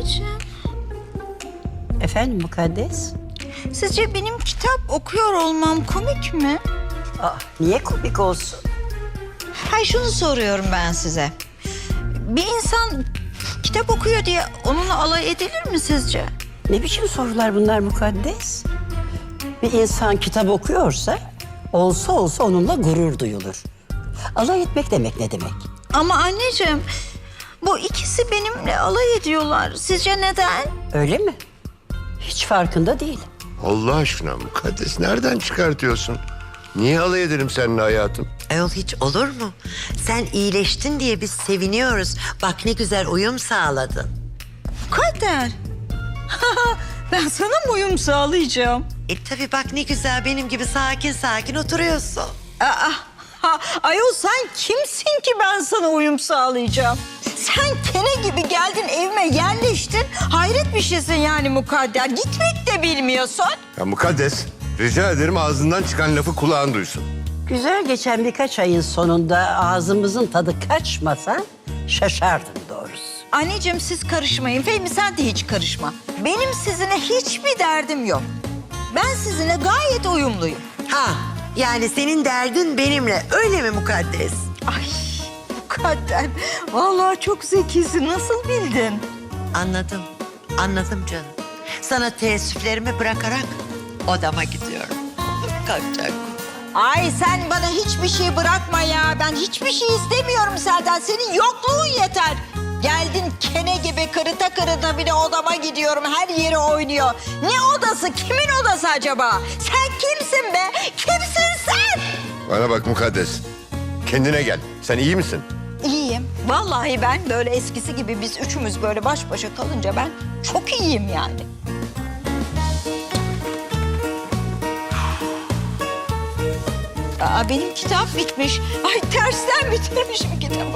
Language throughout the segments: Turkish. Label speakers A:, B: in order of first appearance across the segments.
A: Anneciğim,
B: Efendim Mukaddes?
A: sizce benim kitap okuyor olmam komik mi?
B: Niye komik olsun?
A: Hayır, şunu soruyorum ben size. Bir insan kitap okuyor diye onunla alay edilir mi sizce?
B: Ne biçim sorular bunlar Mukaddes? Bir insan kitap okuyorsa olsa onunla gurur duyulur. Alay etmek demek ne demek?
A: Ama anneciğim, bu ikisi benimle alay ediyorlar. Sizce neden?
B: Öyle mi? Hiç farkında değil.
C: Allah aşkına Mukaddes nereden çıkartıyorsun? Niye alay ederim seninle hayatım?
D: Ayol hiç olur mu? Sen iyileştin diye biz seviniyoruz. Bak ne güzel uyum sağladın.
A: Kader. Ben sana mı uyum sağlayacağım?
D: Tabii bak ne güzel benim gibi sakin sakin oturuyorsun.
A: Ayol sen kimsin ki ben sana uyum sağlayacağım? Sen kene gibi geldin evime yerleştin. Hayret bir şeysin yani Mukadder. Gitmek de bilmiyorsun.
C: Ya Mukaddes rica ederim ağzından çıkan lafı kulağın duysun.
B: Güzel geçen birkaç ayın sonunda ağzımızın tadı kaçmasa şaşardım doğrusu.
A: Anneciğim siz karışmayın. Fehmi sen de hiç karışma. Benim sizinle hiçbir derdim yok. Ben sizinle gayet uyumluyum.
D: Ha yani senin derdin benimle öyle mi Mukaddes?
A: Ay Mukadder. Vallahi çok zekisin. Nasıl bildin?
D: Anladım canım. Sana teessüflerimi bırakarak odama gidiyorum. Kalkacak.
A: Ay sen bana hiçbir şey bırakma ya. Ben hiçbir şey istemiyorum senden. Senin yokluğun yeter. Geldin kene gibi kırıta bir de odama gidiyorum. Her yeri oynuyor. Ne odası? Kimin odası acaba? Sen kimsin be? Kimsin sen?
C: Bana bak Mukaddes. Kendine gel. Sen iyi misin?
A: İyiyim. Vallahi ben böyle eskisi gibi biz üçümüz böyle baş başa kalınca ben çok iyiyim yani. Benim kitap bitmiş. Ay tersten bitirmişim kitabı.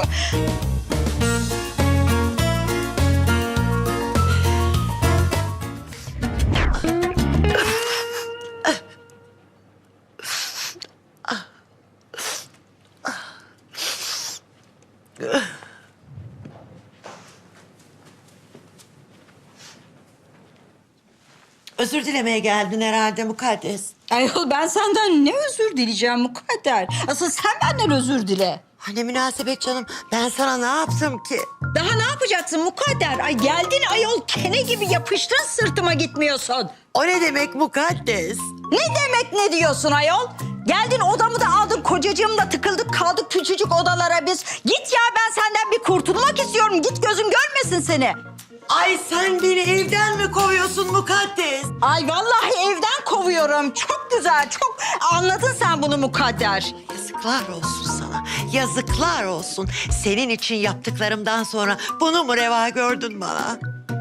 D: Özür dilemeye geldin herhalde Mukaddes.
A: Ayol ben senden ne özür dileyeceğim Mukadder? Asıl sen benden özür dile.
D: Ne münasebet canım. Ben sana ne yaptım ki?
A: Daha ne yapacaksın Mukadder? Ay geldin ayol kene gibi yapıştın sırtıma gitmiyorsun.
D: O ne demek Mukaddes?
A: Ne demek ne diyorsun ayol? Geldin odamı da aldın kocacığımla tıkıldık kaldık küçücük odalara biz. Git ya ben senden bir kurtulmak istiyorum. Git gözüm görmesin seni.
D: Ay sen beni evden mi kovuyorsun Mukaddes?
A: Ay vallahi evden kovuyorum. Çok güzel çok anladın sen bunu Mukadder.
D: Yazıklar olsun sana. Yazıklar olsun. Senin için yaptıklarımdan sonra bunu mu reva gördün bana?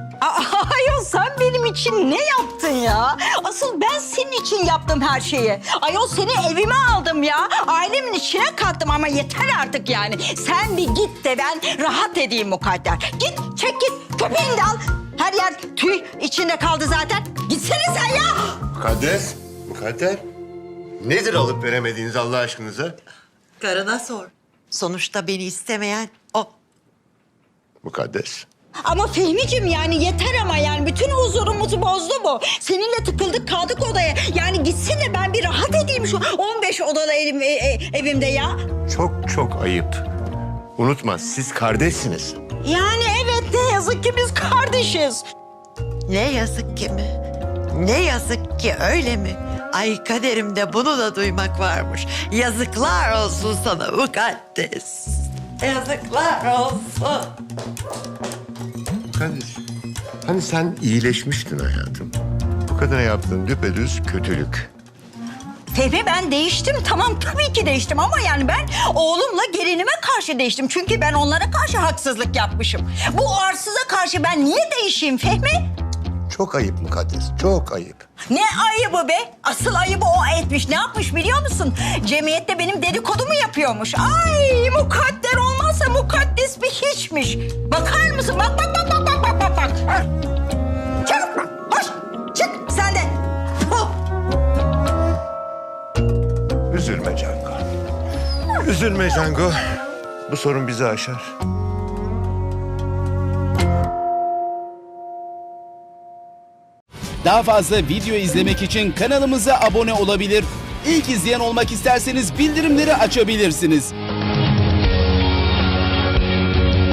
A: Ayol sen benim için ne yaptın ya? Asıl ben senin için yaptım her şeyi. Ayol seni evime aldım ya. Ailemin içine kattım ama yeter artık yani. Sen bir git de ben rahat edeyim Mukadder. Git çek git köpeğini de al. Her yer tüy içinde kaldı zaten. Gitsene sen ya.
C: Mukaddes. Mukadder. Nedir alıp veremediğiniz Allah aşkınıza?
D: Karına sor. Sonuçta beni istemeyen o.
C: Mukaddes.
A: Ama Fehmiciğim yani yeter ama yani bütün huzurumuzu bozdu bu. Seninle tıkıldık kaldık odaya. Yani gitsin de ben bir rahat edeyim şu 15 odalı evimde ya.
C: Çok ayıp. Unutma siz kardeşsiniz.
A: Yani evet ne yazık ki biz kardeşiz.
D: Ne yazık ki mi? Ne yazık ki öyle mi? Ay kaderimde bunu da duymak varmış. Yazıklar olsun sana Mukaddes. Yazıklar olsun.
C: Mukaddes. Hani sen iyileşmiştin hayatım. Bu kadına yaptığın düpedüz kötülük.
A: Fehmi ben değiştim tamam tabii ki değiştim ama yani ben oğlumla gelinime karşı değiştim. Çünkü ben onlara karşı haksızlık yapmışım. Bu arsıza karşı ben niye değişeyim Fehmi?
C: Çok ayıp Mukaddes, çok ayıp.
A: Ne ayıbı be? Asıl ayıbı o etmiş. Ne yapmış biliyor musun? Cemiyette benim dedikodumu yapıyormuş. Ay mukadder olmazsa mukaddes bir hiçmiş. Bakar mısın? Bak. Çabuk bak. Koş. Çık sen de. Puh.
C: Üzülme Cango. Üzülme Cango. Bu sorun bizi aşar.
E: Daha fazla video izlemek için kanalımıza abone olabilir. İlk izleyen olmak isterseniz bildirimleri açabilirsiniz.